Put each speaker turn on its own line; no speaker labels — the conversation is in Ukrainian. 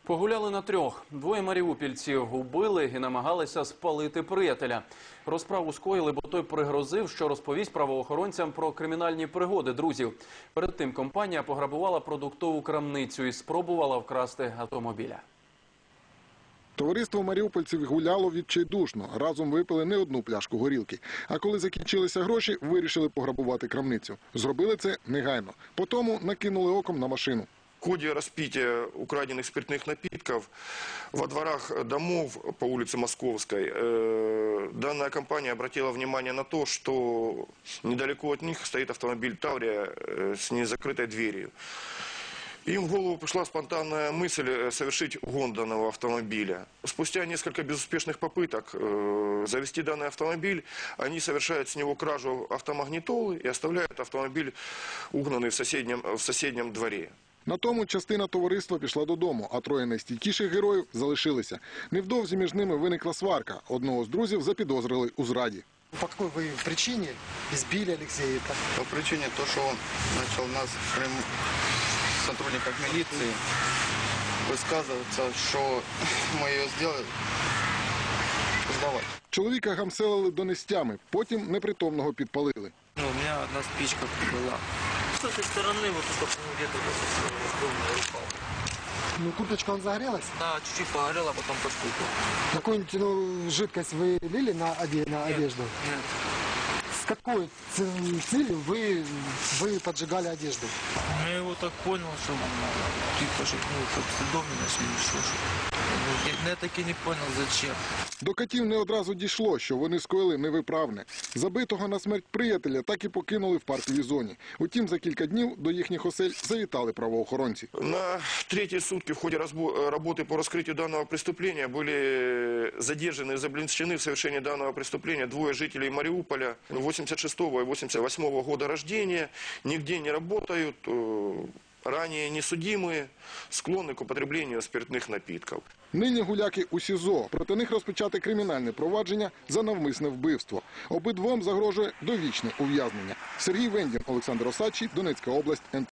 Погуляли на трьох. Двоє маріупільців убили і намагалися спалити приятеля. Розправу скоїли, бо той пригрозив, що розповість правоохоронцям про кримінальні пригоди друзів. Перед тим компанія пограбувала продуктову крамницю і спробувала вкрасти автомобіля.
Товариство маріупольців гуляло відчайдушно. Разом випили не одну пляшку горілки. А коли закінчилися гроші, вирішили пограбувати крамницю. Зробили це негайно. Потім накинули оком на машину.
В ходе распития украденных спиртных напитков во дворах домов по улице Московской данная компания обратила внимание на то, что недалеко от них стоит автомобиль «Таврия» с незакрытой дверью. Им в голову пришла спонтанная мысль совершить угон данного автомобиля. Спустя несколько безуспешных попыток завести данный автомобиль, они совершают с него кражу автомагнитолы и оставляют автомобиль угнанный в соседнем дворе.
На тому частина товариства пішла додому, а троє найстійкіших героїв залишилися. Невдовзі між ними виникла сварка. Одного з друзів запідозрили у зраді.
По какой вы причине избили Алексея?
По причине того, что он начал нас, сотрудников милиции, высказываться, что мы ее сделали, сдавать.
Чоловіка гамселили донестями, потім непритомного підпалили.
У меня одна спичка была. С этой стороны вот только где-то упал.
Ну, курточка он загорелась?
Да, чуть-чуть погорела, а потом постукал.
Какую-нибудь жидкость вы лили на одежду?
Нет.
С какой целью вы поджигали одежду?
Я его так понял, что типа же, как следов не нашли, еще что. Я так и не понял, зачем.
До катів не одразу дійшло, що вони скоїли невиправне. Забитого на смерть приятеля так і покинули в парковій зоні. Утім, за кілька днів до їхніх осель завітали правоохоронці.
На третьи сутки в ходе работы по раскрытию данного преступления были задержаны и заблинчены в совершении данного преступления двое жителей Мариуполя 86-го и 88-го года рождения, нигде не работают, ранее несудимые, склонны к употреблению спиртных напитков.
Нині гуляки у СІЗО. Проти них розпочати кримінальне провадження за навмисне вбивство. Обидвом загрожує довічне ув'язнення. Сергій Вендін, Олександр Осадчий, Донецька область, НТ.